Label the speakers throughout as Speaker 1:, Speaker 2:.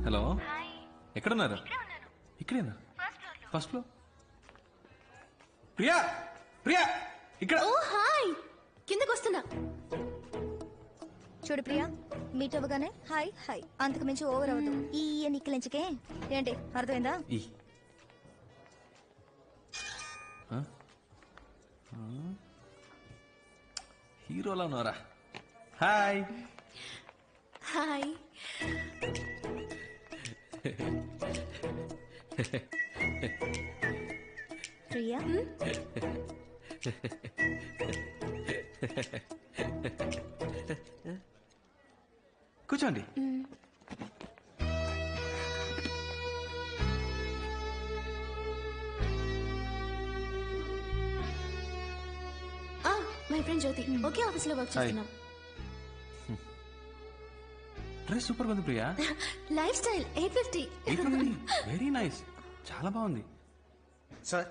Speaker 1: Hello, ఎక్కడున్నారు? ఇక్కడేనా? First floor. Priya, Priya ఇక్కడ.
Speaker 2: ఓ హాయ్, కిందకు వస్తున్నా.
Speaker 3: చూడు ప్రియా, మీట్ అవ్వగానే హాయ్ హాయ్, అంతకు మించి ఓవర్ అవ్వదు. ఈ నిక్కలించకే ఏంటి, అర్థమైందా?
Speaker 1: హీరోలా ఉన్నారా? Hi
Speaker 2: hi.
Speaker 3: ప్రియా,
Speaker 1: కూర్చోండి.
Speaker 2: మై ఫ్రెండ్ జ్యోతి, ఒకే ఆఫీస్ లో వర్క్ చేస్తున్నాం.
Speaker 1: డ్రెస్ సూపర్ ఉంది Priya.
Speaker 2: Lifestyle 850.
Speaker 1: Very nice, చాలా బాగుంది.
Speaker 4: Sir,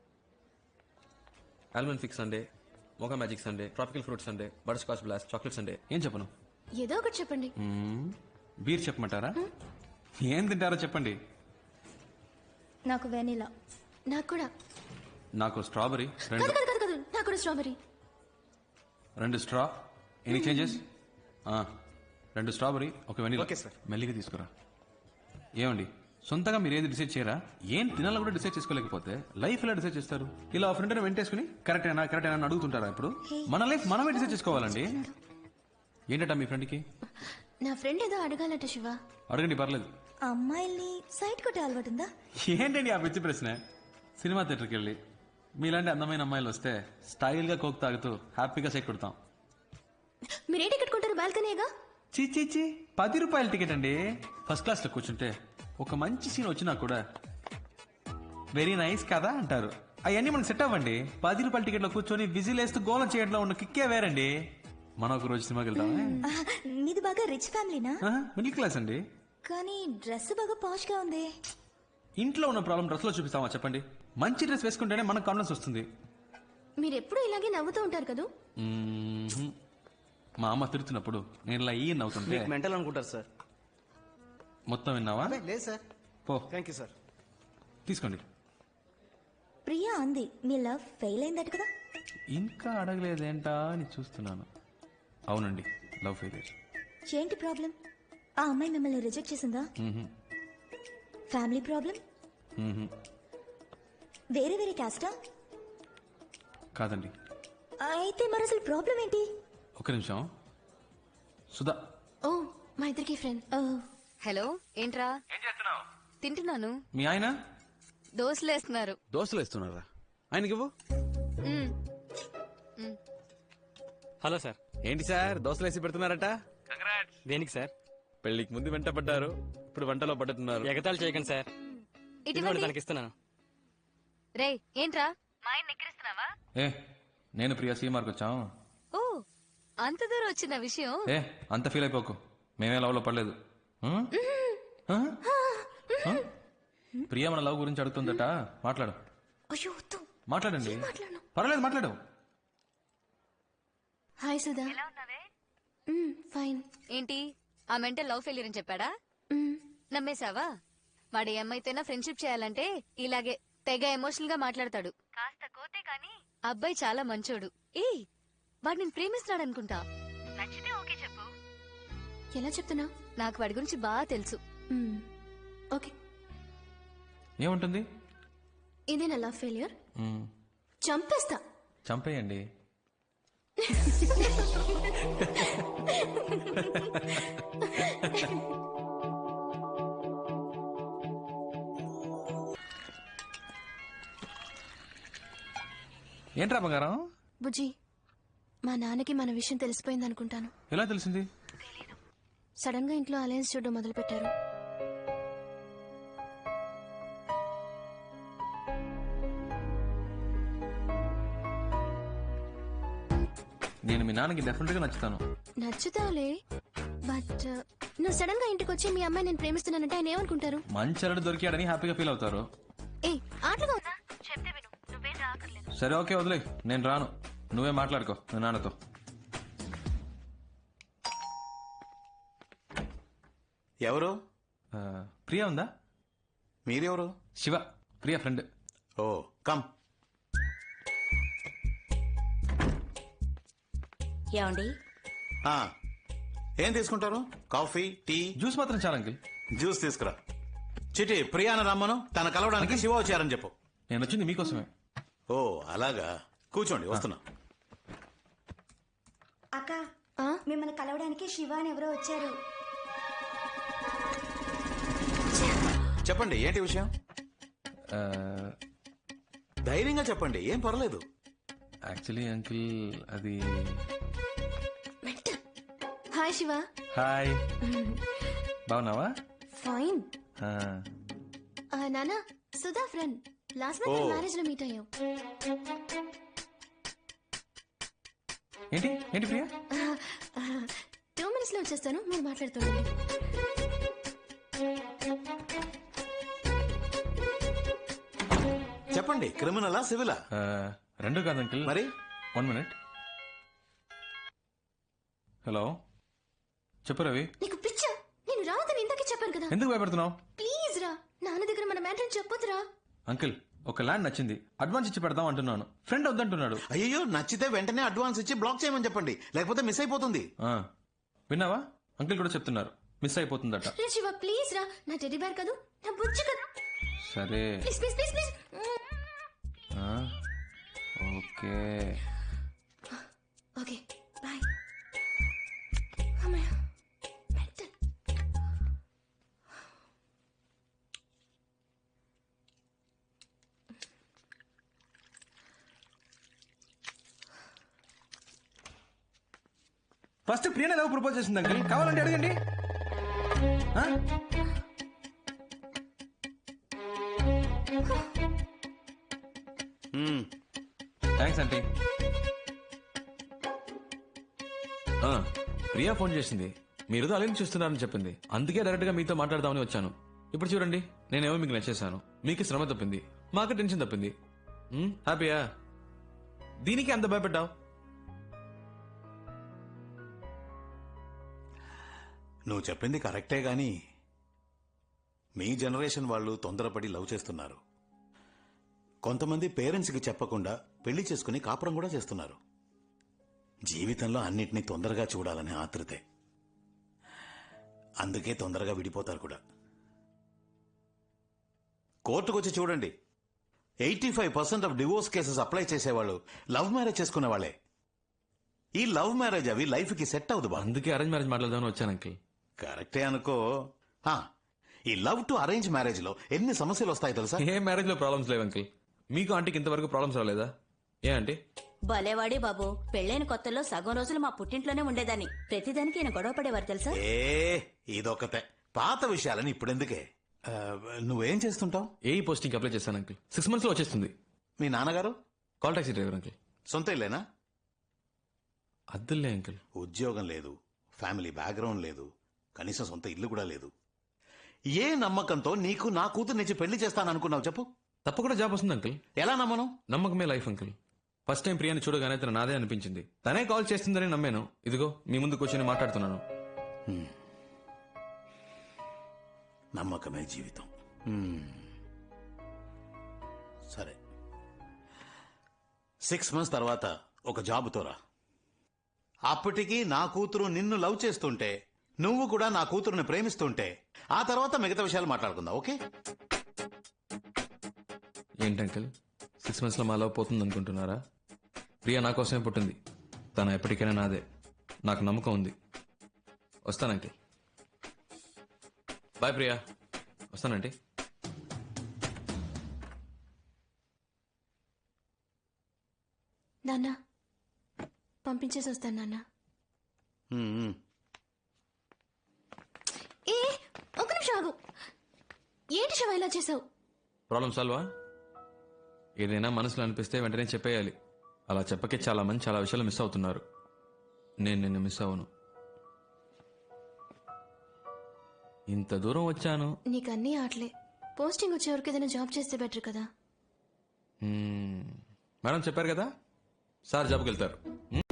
Speaker 5: almond fix sundae, mocha magic sundae, tropical fruit sundae, butterscotch blast, chocolate sundae.
Speaker 1: ఏం చెప్పను?
Speaker 2: ఏదో ఒకటి చెప్పండి.
Speaker 1: బీర్ చెప్పమంటారా? ఏం తింటారో చెప్పండి.
Speaker 3: నాకు వెనిలా.
Speaker 2: నాకు కూడా.
Speaker 1: నాకు స్ట్రాబెరీ.
Speaker 2: కాదు కాదు కాదు కాదు, నాకు కూడా strawberry.
Speaker 1: 2 straw. Any changes? 2 strawberry, 1 vanilla.
Speaker 4: Okay sir.
Speaker 1: మెల్లిగా తీసుకురా. ఏమండి, సొంతగా మీరు ఏది డిసైడ్ చేయరా? ఏం తినాలో కూడా డిసైడ్ చేసుకోలేకపోతే లైఫ్ ఎలా డిసైడ్ చేస్తారు? ఇలా ఫ్రెండ్ వెంటేసుకుని కరెక్ట్ అయినా అని అడుగుతుంటారా? ఇప్పుడు మన లైఫ్ మనమే డిసైడ్ చేసుకోవాలండి. ఏంటట మీ ఫ్రెండ్కి?
Speaker 2: నా ఫ్రెండ్ ఏదో అడగాలట శివ.
Speaker 1: అడగండి, పర్లేదు.
Speaker 3: అమ్మాయిల్ని సైట్ కొట్టే అలవాటు ఉందా?
Speaker 1: ఏంటండి ఆ పిచ్చి ప్రశ్న? సినిమా థియేటర్కి వెళ్ళి మీలాంటి అందమైన అమ్మాయిలు వస్తే స్టైల్ గా కోక్ తాగుతూ హ్యాపీగా సెక్ కొడతాం.
Speaker 2: మీరే టికెట్ కొంటారు? బాల్కనీగా.
Speaker 1: చీ, 10 రూపాయల టికెట్ అండి. ఫస్ట్ క్లాస్ లో కూర్చుంటే ఒక మంచి సీన్ వచ్చినా కూడా వెరీ నైస్ కదా అంటారు. అవన్నీ మనకు సెట్ అవ్వండి. 10 రూపాయల టికెట్ లో కూర్చొని విజిల్ వేస్తూ గోలం చేయడంలో ఉన్న కిక్కే వేరండి. మనం ఒక రోజు సినిమాకి వెళ్తామే.
Speaker 3: మీది బాగా రిచ్ ఫ్యామిలీనా?
Speaker 1: మిడిల్ క్లాస్ అండి.
Speaker 3: కానీ డ్రెస్ బాగా పాష్ గా ఉంది.
Speaker 1: ఇంట్లో ఉన్న ప్రాబ్లం డ్రెస్ లో చూపిస్తామా చెప్పండి? మంచి డ్రెస్ వేసుకుంటేనే మనకు కాన్ఫిడెన్స్ వస్తుంది.
Speaker 2: మీరు ఎప్పుడు ఇలాగే నవ్వుతూ ఉంటారు కదా.
Speaker 1: మా అమ్మ తిడుతున్నప్పుడు నేను ఇలా ఈ నవ్వుతుంటే
Speaker 4: మెంటల్ అనుకుంటారు సార్.
Speaker 1: మొత్తం విన్నావా?
Speaker 4: లేదు సార్.
Speaker 1: పో.
Speaker 4: Thank you sir.
Speaker 1: తీసుకోండి.
Speaker 3: ప్రియా అంది మీ లవ్ ఫెయిల్ అయిందట కదా.
Speaker 1: ఇంకా అడగలేదేంటా అని చూస్తున్నాను. అవునండి, లవ్ ఫెయిలియర్.
Speaker 3: ఏంటి ప్రాబ్లం? ఆ అమ్మాయి మిమ్మల్ని రిజెక్ట్ చేసిందా? Family problem? వేరే వేరే క్యాస్టా?
Speaker 1: కాదండి.
Speaker 3: అయితే మరి అసలు ప్రాబ్లం ఏంటి?
Speaker 1: ఒక నిమిషం. సుధా.
Speaker 2: ఓ, మా ఇద్దరికి ఫ్రెండ్.
Speaker 6: హలో, ఏంట్రా?
Speaker 5: ఏం చేస్తున్నావు?
Speaker 6: తింటున్నాను.
Speaker 1: మీ ఆయన?
Speaker 6: దోశలు వేస్తున్నారు.
Speaker 5: దోశలు వేస్తున్నారా? ఆయనకి ఇవ్వు.
Speaker 7: Hello sir.
Speaker 5: ఏంటి సార్ దోశలు వేసి పెడుతున్నారట?
Speaker 7: దేనికి సార్?
Speaker 5: పెళ్లికి ముందు వెంట పడ్డారు, ఇప్పుడు వంటలో పడుతున్నారు.
Speaker 7: ఎగతాళి చేయకండి సార్.
Speaker 6: ఇటువంటి
Speaker 7: తనకి ఇస్తున్నాను.
Speaker 6: రే, ఏంట్రా మా ఆయన ఎక్కిరిస్తున్నావా?
Speaker 1: ఏ, నేను ప్రియా సీమార్కి వచ్చాం.
Speaker 6: ఓ, అంత దూరం వచ్చిన విషయం.
Speaker 1: ఏ, అంత ఫీల్ అయిపోకు. మేమే లవ్ లో పడలేదు. ప్రియా మన లవ్ గురించి అడుగుతుందట. మాట్లాడు.
Speaker 2: అయ్యో వద్దు.
Speaker 1: మాట్లాడండి.
Speaker 2: మాట్లాడను.
Speaker 1: పర్లేదు, మాట్లాడు.
Speaker 2: హాయ్ సుధా. ఫైన్.
Speaker 6: ఏంటి, ఆ మెంటల్ లవ్ ఫెయిలియర్ అని చెప్పాడా? నమ్మేశావా? వాడు ఏమైతేనా ఫ్రెండ్షిప్ చేయాలంటే ఇలాగే తెగ ఎమోషనల్ గా మాట్లాడతాడు. కాస్త కోతే కాని అబ్బాయి చాలా మంచోడు. వాడు నేను ప్రేమిస్తున్నాడు అనుకుంటా. నచ్చితే ఓకే చెప్పు.
Speaker 2: ఎలా చెప్తున్నా?
Speaker 6: నాకు వాడి గురించి బాగా తెలుసు.
Speaker 2: ఓకే.
Speaker 1: ఏముంటుంది?
Speaker 2: ఇదే నా లవ్ ఫెయిలియర్. చంపేస్తా.
Speaker 1: చంపేయండి. ఏంట్రా బంగారం?
Speaker 2: బుజ్జి, మా నాన్నకి మన విషయం తెలిసిపోయింది అనుకుంటాను.
Speaker 1: ఎలా తెలిసింది?
Speaker 2: సడన్ గా ఇంట్లో అలయన్స్ చూడడం మొదలు పెట్టారు.
Speaker 1: నేను మీ నాన్నకి డెఫినెట్ గా నచ్చుతాను.
Speaker 2: నచ్చుతావులే, బట్ నువ్వు సడన్ గా ఇంటికి వచ్చి మీ అమ్మాయి నేను ప్రేమిస్తున్నానంటే ఆయన ఏమనుకుంటారు?
Speaker 1: మంచి అల్లుడు దొరికాడని హ్యాపీగా ఫీల్ అవుతారు.
Speaker 2: ఆటలుగా ఉందా?
Speaker 6: చెప్తే విను, నువ్వేం రాకర్లేదు.
Speaker 1: సరే, ఓకే, వదిలే. నేను రాను. నువ్వే మాట్లాడుకో మీ నాన్నతో.
Speaker 4: ఎవరు?
Speaker 1: ప్రియా ఉందా?
Speaker 8: మీరెవరు?
Speaker 1: Shiva, Priya friend.
Speaker 8: Oh come.
Speaker 9: ఏమండి?
Speaker 8: ఆ, ఏం తీసుకుంటారు? Coffee, tea?
Speaker 1: జ్యూస్ మాత్రం చాలా అంకిల్.
Speaker 8: జ్యూస్ తీసుకురా. చిటి ప్రియాను రమ్మను, తన కలవడానికి శివ వచ్చారని చెప్పు.
Speaker 1: నేను వచ్చింది మీకోసమే.
Speaker 8: ఓ అలాగా, కూర్చోండి వస్తున్నా.
Speaker 9: అక్క, మిమ్మల్ని కలవడానికి శివ అని ఎవరో వచ్చారు.
Speaker 8: చెప్పండి ఏంటి విషయం? ధైర్యంగా చెప్పండి, ఏం పర్లేదు.
Speaker 1: యాక్చువల్లీ అంకిల్ అది.
Speaker 2: హాయ్ శివ.
Speaker 1: హాయ్, బాగున్నావా?
Speaker 2: ఫైన్.
Speaker 1: ఆ,
Speaker 2: నానా, Sudha friend. Last month
Speaker 8: oh.
Speaker 2: Marriage లో మీట్ అయ్యాం.
Speaker 1: ఏంటి ఏంటి ప్రియా?
Speaker 2: 2 minutes లో వచ్చేస్తాను, మీరు మాట్లాడుతుండండి.
Speaker 8: చెప్పండి, క్రిమినలా సివిలా?
Speaker 1: రెండు కాదు అంకిల్.
Speaker 8: మరి
Speaker 1: 1 minute. హలో, చెప్పు రవి.
Speaker 2: నీకు పిచ్చా? నేను రావద్దని ఇందాకే చెప్పాను కదా.
Speaker 1: ఎందుకు భయపడుతున్నావు?
Speaker 2: ప్లీజ్ రా, నాన్న దగ్గర మన మ్యాటర్ చెప్పొద్దురా.
Speaker 1: అంకిల్, ఒక ల్యాండ్ నచ్చింది, అడ్వాన్స్ ఇచ్చి పెడదాం అంటున్నాను. ఫ్రెండ్ వద్దంటున్నాడు.
Speaker 8: అయ్యో, నచ్చితే వెంటనే అడ్వాన్స్ ఇచ్చి బ్లాక్ చేయమని చెప్పండి, లేకపోతే మిస్ అయిపోతుంది.
Speaker 1: ఆ, విన్నావా? అంకిల్ కూడా చెప్తున్నారు, మిస్ అయిపోతుందట.
Speaker 2: రే శివ, ప్లీజ్ రా. నా టెడ్డీ బేర్ కాదు, నా బుజ్జి కదా.
Speaker 1: సరే,
Speaker 2: ప్లీజ్ ప్లీజ్ ప్లీజ్ ప్లీజ్.
Speaker 1: ఆ, ఓకే.
Speaker 2: Okay, bye. అమ్మయ్య, మెంటల్.
Speaker 1: ఫస్ట్ ప్రియనే లవ్ ప్రపోజ్ చేసింది అంకిల్, కావాలంటే అడగండి. ఆ?
Speaker 8: మ్మ్.
Speaker 1: Thanks aunty. ప్రియా ఫోన్ చేసింది, మీరు అలెన్ చూస్తున్నారని చెప్పింది. అందుకే డైరెక్ట్ గా మీతో మాట్లాడదామని వచ్చాను. ఇప్పుడు చూడండి, నేనేమో మీకు నచ్చేసాను, మీకు శ్రమ తప్పింది, మాకు టెన్షన్ తప్పింది. హ్యాపీయా? దీనికి అంత భయపెట్టావు?
Speaker 8: నువ్వు చెప్పింది కరెక్టే గాని మీ జనరేషన్ వాళ్ళు తొందరపడి లవ్ చేస్తున్నారు. కొంతమంది పేరెంట్స్కి చెప్పకుండా పెళ్లి చేసుకుని కాపురం కూడా చేస్తున్నారు. జీవితంలో అన్నిటినీ తొందరగా చూడాలనే ఆతృతే. అందుకే తొందరగా విడిపోతారు కూడా. కోర్టుకొచ్చి చూడండి, 85% ఆఫ్ డివోర్స్ కేసెస్ అప్లై చేసేవాళ్ళు లవ్ మ్యారేజ్ చేసుకునే వాళ్ళే. ఈ లవ్ మ్యారేజ్ అవి లైఫ్ కి సెట్ అవ్వదు బా.
Speaker 1: అందుకే అరేంజ్ మ్యారేజ్ మాట్లాడదామని వచ్చాను అంకిల్.
Speaker 8: కరెక్టే అనుకో. ఈ లవ్ టు అరేంజ్ మ్యారేజ్ లో ఎన్ని సమస్యలు వస్తాయి తెలుసా?
Speaker 1: ఏ మ్యారేజ్ లో ప్రాబ్లమ్స్ లేవు అంకిల్. మీకు ఆంటీకి ఇంతవరకు ప్రాబ్లమ్స్ రాలేదా? ఏ ఆంటీ?
Speaker 9: భలేవాడి బాబు, పెళ్ళైన కొత్తలో సగం రోజులు మా పుట్టింట్లోనే ఉండేదాన్ని. ప్రతిదానికి ఈయన గొడవ పడేవారు తెలుసా?
Speaker 8: ఇదొకతే. పాత విషయాలని ఇప్పుడెందుకే? నువ్వేం చేస్తుంటావు?
Speaker 1: ఏ పోస్టింగ్ అప్లై చేశాను అంకిల్, 6 months లో వచ్చేస్తుంది.
Speaker 8: మీ నాన్నగారు?
Speaker 1: Call taxi driver uncle.
Speaker 8: సొంత ఇల్లేనా?
Speaker 1: అద్దులే అంకిల్.
Speaker 8: ఉద్యోగం లేదు, ఫ్యామిలీ బ్యాక్గ్రౌండ్ లేదు, కనీసం సొంత ఇల్లు కూడా లేదు. ఏ నమ్మకంతో నీకు నా కూతుర్నిచ్చి పెళ్లి చేస్తాననుకున్నావు చెప్పు?
Speaker 1: తప్పకుండా జాబ్ వస్తుంది అంకిల్.
Speaker 8: ఎలా నమ్మను?
Speaker 1: నమ్మకమే లైఫ్ అంకిల్. ఫస్ట్ టైం ప్రియాని చూడగానే తన నాదే అనిపించింది. తనే కాల్ చేస్తుందని నమ్మాను. ఇదిగో మీ ముందు కూర్చొని మాట్లాడుతున్నాను.
Speaker 8: నమ్మకమే జీవితం. సరే, 6 months తర్వాత ఒక జాబుతో రా. అప్పటికి నా కూతురు నిన్ను లవ్ చేస్తుంటే, నువ్వు కూడా నా కూతురుని ప్రేమిస్తుంటే, ఆ తర్వాత మిగతా విషయాలు మాట్లాడుకుందాం. ఓకే?
Speaker 1: ఏంటి అంకిల్, 6 months లో మా లవ్ పోతుంది అనుకుంటున్నారా? ప్రియా నా కోసమే పుట్టింది, తన ఎప్పటికైనా నాదే. నాకు నమ్మకం ఉంది. వస్తాను అంకిల్. బాయ్ ప్రియా. వస్తానంటీ.
Speaker 2: నాన్న, పంపించేసి వస్తాను నాన్న. ఏ, ఒక్క నిమిషం ఆగు. ఏంటి శివ ఇలా చేసావు?
Speaker 1: ప్రాబ్లం సాల్వా? ఏదైనా మనసులో అనిపిస్తే వెంటనే చెప్పేయాలి. అలా చెప్పకే చాలా మంది చాలా విషయాలు మిస్ అవుతున్నారు. నేను నిన్ను మిస్ అవ్వను. ఇంత దూరం వచ్చాను.
Speaker 2: నీకు అన్నీ ఆటలే. పోస్టింగ్ వచ్చే వరకు ఏదైనా జాబ్ చేస్తే బెటర్ కదా.
Speaker 1: మేడం చెప్పారు కదా, సార్ జాబ్కి వెళ్తారు.